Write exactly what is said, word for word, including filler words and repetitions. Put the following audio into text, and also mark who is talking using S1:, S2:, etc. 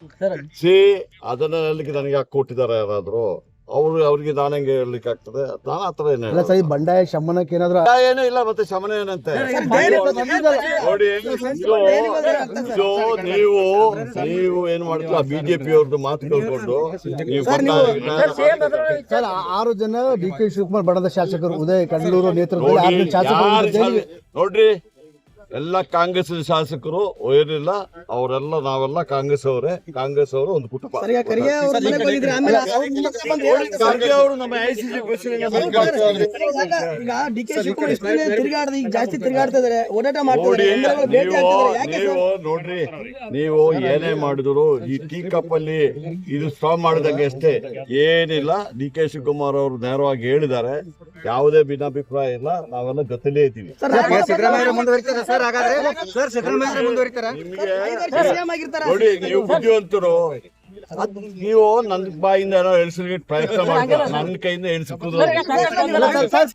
S1: C ಅದನ್ನ ಹೇಳಲಿಕ್ಕೆ ನನಗೆ ಯಾಕೆ ಕೊಟ್ಟಿದ್ದಾರೆ ಯಾರಾದ್ರು ಅವ್ರು ಅವ್ರಿಗೆ ನಾನು ಹೆಂಗೆ ಹೇಳಲಿಕ್ಕೆ ಆಗ್ತದೆ? ನಾನು ಆತರ ಏನು
S2: ಅಲ್ಲ ಸರ್, ಈ ಬಂಡಾಯ ಶಮನಕ್ಕೆ ಏನಾದ್ರು
S1: ಏನೂ ಇಲ್ಲ, ಮತ್ತೆ ಶಮನ ಏನಂತೆ ನೋಡಿ. ಇದು ಇದು ನೀವು ನೀವು ಏನ್ ಮಾಡ್ತೀವಿ, ಆ ಬಿಜೆಪಿ ಅವ್ರದ್ದು ಮಾತು ಕೇಳ್ಕೊಂಡು ನೀವು
S2: ಸರ್, ಆರು ಜನ ಡಿ ಕೆ ಶಿವಕುಮಾರ್ ಬಣದ ಶಾಸಕರು ಉದಯ ಕಡಲೂರು ನೇತೃತ್ವದಲ್ಲಿ ಆರು ಜನ ಶಾಸಕರು
S1: ನೋಡ್ರಿ, ಎಲ್ಲ ಕಾಂಗ್ರೆಸ್ ಶಾಸಕರು ಏನಿಲ್ಲ, ಅವರೆಲ್ಲ ನಾವೆಲ್ಲ ಕಾಂಗ್ರೆಸ್ ಅವರೇ. ಕಾಂಗ್ರೆಸ್ ಅವರು ಒಂದು ಕುಟುಂಬ.
S3: ಖರ್ಗೆ
S1: ಅವರು ನಮ್ಮ ಐಸಿಸಿ ಪ್ರೆಸಿಡೆಂಟ್
S3: ತಿರುಗಾಡ್ದ ಈಗ ಜಾಸ್ತಿ ತಿರುಗಾಡ್ತಾ ಇದಾರೆ, ಓಡಾಟ
S1: ನೋಡಿ.
S3: ಮಾಡ್ತಾರೆ.
S1: ನೀವು ನೀವು ನೋಡ್ರಿ, ನೀವು ಏನೇ ಮಾಡಿದ್ರು ಈ ಟೀ ಕಪ್ ಅಲ್ಲಿ ಇದು ಸ್ಟಾಪ್ ಮಾಡಿದಂಗೆ ಅಷ್ಟೇ, ಏನಿಲ್ಲ. ಡಿ ಕೆ ಶಿವಕುಮಾರ್ ಅವರು ನೇರವಾಗಿ ಹೇಳಿದ್ದಾರೆ, ಯಾವುದೇ ಭಿನ್ನಾಭಿಪ್ರಾಯ ಇಲ್ಲ, ನಾವೆಲ್ಲ ಜೊತೆಲೇ ಇದ್ದೀವಿ. ನೋಡಿ, ನೀವು ಬುದ್ಧಿವಂತರು, ಅದ್ ನೀವು ನನ್ನ ಬಾಯಿಂದ ಏನೋ ಎಳಿಸ್ಲಿಕ್ಕೆ ಪ್ರಯತ್ನ ಮಾಡ್ತೀರ, ನನ್ನ ಕೈಯಿಂದ ಎಳಿಸಿದ್ರು